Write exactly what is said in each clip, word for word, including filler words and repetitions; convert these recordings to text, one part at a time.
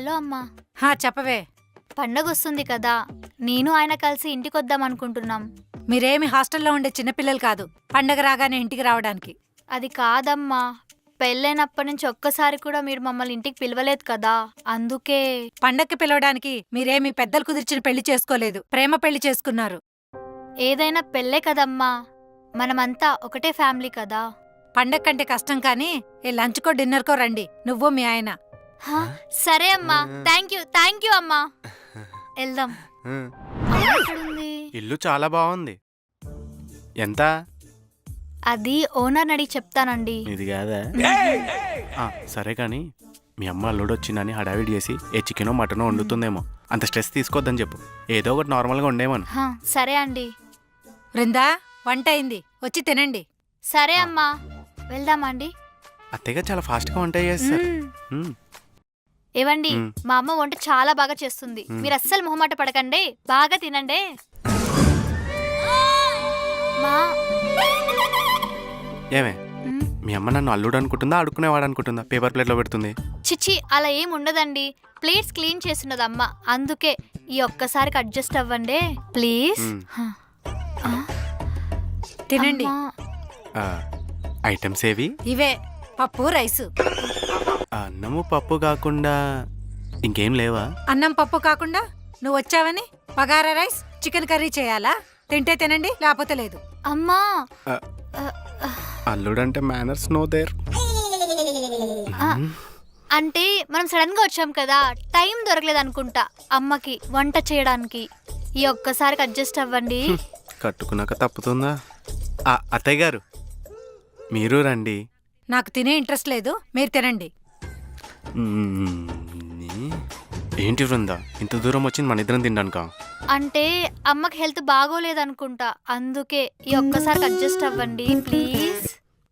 Hello అమ్మా. హా చెప్పవే. పండగ వస్తుంది కదా, నేను ఆయన కలిసి ఇంటికి వద్దాం అనుకుంటున్నాం. మీరేమి హాస్టల్లో ఉండే చిన్నపిల్లలు కాదు పండగ రాగానే ఇంటికి రావడానికి. అది కాదమ్మా, పెళ్ళైనప్పటి నుంచి ఒక్కసారి కూడా మీరు మమ్మల్ని ఇంటికి పిలవలేదు కదా, అందుకే. పండక్కి పిలవడానికి మీరేమి పెద్దలు కుదిర్చిన పెళ్లి చేసుకోలేదు, ప్రేమ పెళ్లి చేసుకున్నారు. ఏదైనా పెళ్ళే కదమ్మా, మనమంతా ఒకటే ఫ్యామిలీ కదా. పండగ కంటే కష్టం కానీ ఏ లంచ్కో డిన్నర్కో రండి, నువ్వు మీ ఆయన. హా, సరే అమ్మా. థ్యాంక్ యూ థ్యాంక్ యూ అమ్మా. వెళ్దాం. ఎక్కడుంది? ఇల్లు చాలా బాగుంది. ఎంత? అది ఓనర్ అడిగి చెప్తానండి. ఇది కాదా? ఆ, సరే కానీ మీ అమ్మ అల్లుడు వచ్చిందని హడావిడి చేసి ఏ చికెనో మటనో వండుతుందేమో, అంత స్ట్రెస్ తీసుకోవద్దని చెప్పు. ఏదో ఒకటి నార్మల్గా ఉండేమను. హా, సరే అండి. బృందా వంట అయింది, వచ్చి తినండి. సరే అమ్మా, వెళ్దామా అండి? అత్తయ్య చాలా ఫాస్ట్గా వంట చేస్తారు. మ్మ్. ఏవండి, మా అమ్మ వంట చాలా బాగా చేస్తుంది, మీరు అస్సలు మొహమాట పడకండి, బాగా తినండి. మా ఏమే మీ అమ్మ నన్ను అల్లుడు అనుకుంటుందా అడుక్కునేవాడు అనుకుంటుందా పేపర్ ప్లేట్లో పెడుతుంది? చిచ్చి, అలా ఏం ఉండదండి. ప్లేట్స్ క్లీన్ చేస్తున్నది అమ్మ, అందుకే ఈ ఒక్కసారికి అడ్జస్ట్ అవ్వండి ప్లీజ్. తినండి. ఐటమ్స్ ఏవి? ఇవే పప్పు రైసు. అన్నము పప్పు కాకుండా ఇంకేం లేవా? అన్నం పప్పు కాకుండా నువ్వు వచ్చావని బగారా రైస్ చికెన్ కర్రీ చేయాలా? తింటే తినండి, లేకపోతే లేదు. అమ్మా, అల్లుడంటే మేనర్స్ నో దేర్. అంటే మనం సడన్ గా వచ్చాం కదా, టైం దొరకలేదు అనుకుంటా అమ్మకి వంట చేయడానికి. ఈ ఒక్కసారికి అడ్జస్ట్ అవ్వండి. కట్టుకున్నాక తప్పుతుందా? అత్తయ్య గారు మీరు రండి. నాకు తినే ఇంట్రెస్ట్ లేదు, మీరు తినండి. ఏంటి బృందా ఇంత దూరం వచ్చింది మన ఇద్దరం తినడానిక? అంటే అమ్మకి హెల్త్ బాగోలేదు అనుకుంటా, అందుకే ఈ ఒక్కసారికి అడ్జస్ట్ అవ్వండి ప్లీజ్.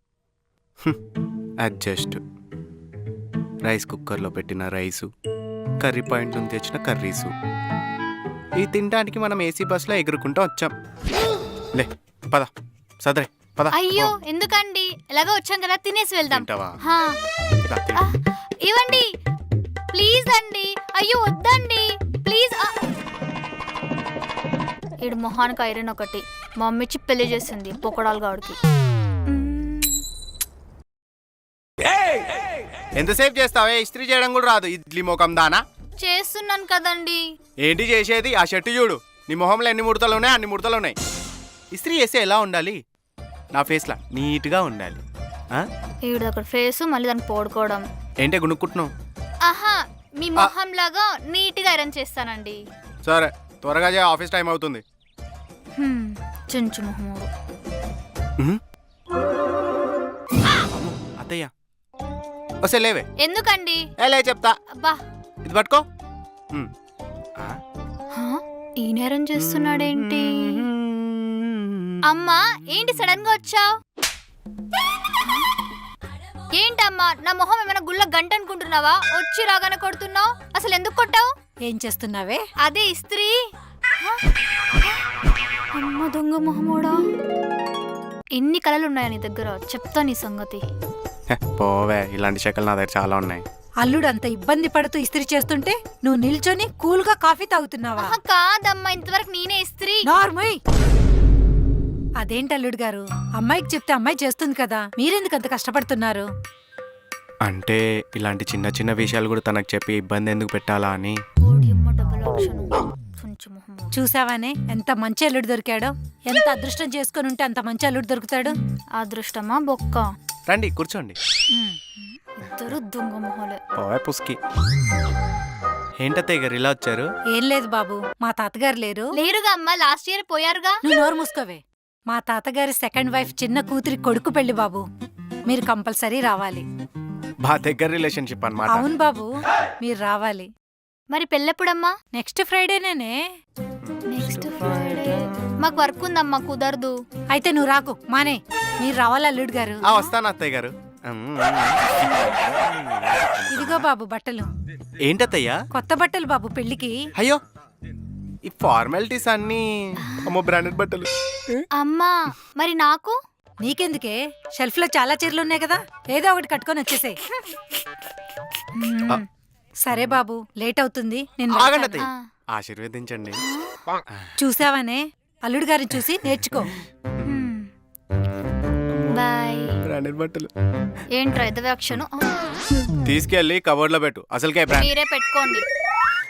అడ్జస్ట్? రైస్ కుక్కర్లో పెట్టిన రైసు, కర్రీ పాయింట్ నుంచి తెచ్చిన కర్రీసు, ఈ తినడానికి మనం ఏసీ బస్సులో ఎగురుకుంటూ వచ్చాం. లే పద సదరే పద. అయ్యో ఎందుకండి, ఎలాగో వచ్చాం కదా, తినేసి వెళ్దాం. హా. ఆ, ఇవ్వండి ప్లీజ్ అండి. అయ్యో వద్దండి ప్లీజ్. ఈడు మొహానికి ఐరన్ ఒకటి, మా మమ్మీ పెళ్లి చేసింది పొకడాలు గాడికి. ఎంతసేపు చేస్తావే? ఇస్త్రీ చేయడం కూడా రాదు, ఇడ్లీ మొఖం దానా. చేస్తున్నాను కదండి. ఏంటి చేసేది? ఆ షర్టు చూడు, నీ మొహంలో ఎన్ని ముడతలు ఉన్నాయి అన్ని ముడతలు ఉన్నాయి. ఇస్త్రీ చేస్తే ఎలా ఉండాలి? నా ఫేస్లా నీట్గా ఉండాలి. ఈవిడ అక్కడ ఫేస్ మళ్ళీ దాన్ని పోడుకోవడం ఏంటే గుణుక్కుంటున్నావు? ఆహా, మీ మొహం లాగా నీట్గా ఐరన్ చేస్తానండి. సరే త్వరగా చేయ, ఆఫీస్ టైం అవుతుంది. చుంచు మొహమోడు. అత్తయ్య వస్తే లేవే. ఎందుకండి? లే చెప్తా. అబ్బా ఇది పట్టుకో. ఈ నేరం చేస్తున్నాడేంటి? అమ్మా ఏంటి సడన్ గా వచ్చావు? ఏంటమ్మా, నా మొహం ఏమైనా గుళ్ళ గంట అనుకుంటున్నావా? వచ్చి రాగానే కొడుతున్నావు, అసలు ఎందుకు కొట్టావు? ఏం చేస్తున్నావే? అదే ఇస్త్రీ. అమ్మ దొంగ మొహమోడా, ఎన్ని కళలు ఉన్నాయా నీ దగ్గర, చెప్తా నీ సంగతి. పోవే, ఇలాంటి శకలు నా దగ్గర చాలా ఉన్నాయి. అల్లుడు అంత ఇబ్బంది పడుతూ ఇస్త్రీ చేస్తుంటే నువ్వు నిల్చొని కూల్ గా కాఫీ తాగుతున్నావా? కాదమ్మా, ఇంతవరకు నేనే ఇస్త్రీ. నార్మల్. అదేంటి అల్లుడు గారు, అమ్మాయికి చెప్తే అమ్మాయి చేస్తుంది కదా, మీరెందుకు అంత కష్టపడుతున్నారు? అంటే ఇలాంటి చిన్న చిన్న విషయాలు కూడా తనకు చెప్పి ఇబ్బంది ఎందుకు పెట్టాలా అని. చూసావానే ఎంత మంచి అల్లుడు దొరికాడో. ఎంత అదృష్టం చేసుకుని ఉంటే అంత మంచి అల్లుడు దొరుకుతాడు. అదృష్టమా బొక్క. రండి కూర్చోండి. ఇద్దరు దొంగ మొహలే. పోవే పుస్కి. ఏంటత్తయ్య గారు ఇలా వచ్చారు? ఏం లేదు బాబు, మా తాతగారు లేరు. లేరుగా అమ్మా, లాస్ట్ ఇయర్ పోయారుగా. నువ్వు నోరు మూసుకోవే. మా తాతగారి సెకండ్ వైఫ్ చిన్న కూతురి కొడుకు పెళ్లి బాబు, మీరు కంపల్సరీ రావాలి. బా దగ్గర రిలేషన్షిప్ అన్నమాట. అవును బాబు, మీరు రావాలి. మరి పెళ్ళెప్పుడమ్మా? నెక్స్ట్ ఫ్రైడేనే. నెక్స్ట్ ఫ్రైడే మాకు వర్క్ ఉందమ్మా, కుదరదు. అయితే నువ్వు రాకు, మానే. మీరు రావాలి అల్లుడు గారు. వస్తాను అత్తయ్య గారు. ఇదిగో బాబు బట్టలు. ఏంటత్తయ్యా? కొత్త బట్టలు బాబు పెళ్లికి. అయ్యో ఈ ఫార్మాలిటీస్ అన్ని అమ్మో బ్రాండెడ్ బట్టలు. అమ్మా మరి నాకు? నీకెందుకే, షెల్ఫ్ లో చాలా చీరలు ఉన్నాయి కదా, ఏదో ఒకటి కట్టుకొని వచ్చేసాయి. సరే బాబు, లేట్ అవుతుంది. నేను ఆగండి వెళ్తాను. అత్తయ్య. ఆశీర్వదించండి. చూసావనే, అల్లుడు గారిని చూసి నేర్చుకో. బాయ్. బ్రాండెడ్ బట్టలు ఏంట్రా ఎదవ క్షణం తీసుకెళ్ళి కబోర్డ్ లో పెట్టు. అసలుకే బ్రాండ్ మీరే పెట్టుకోండి.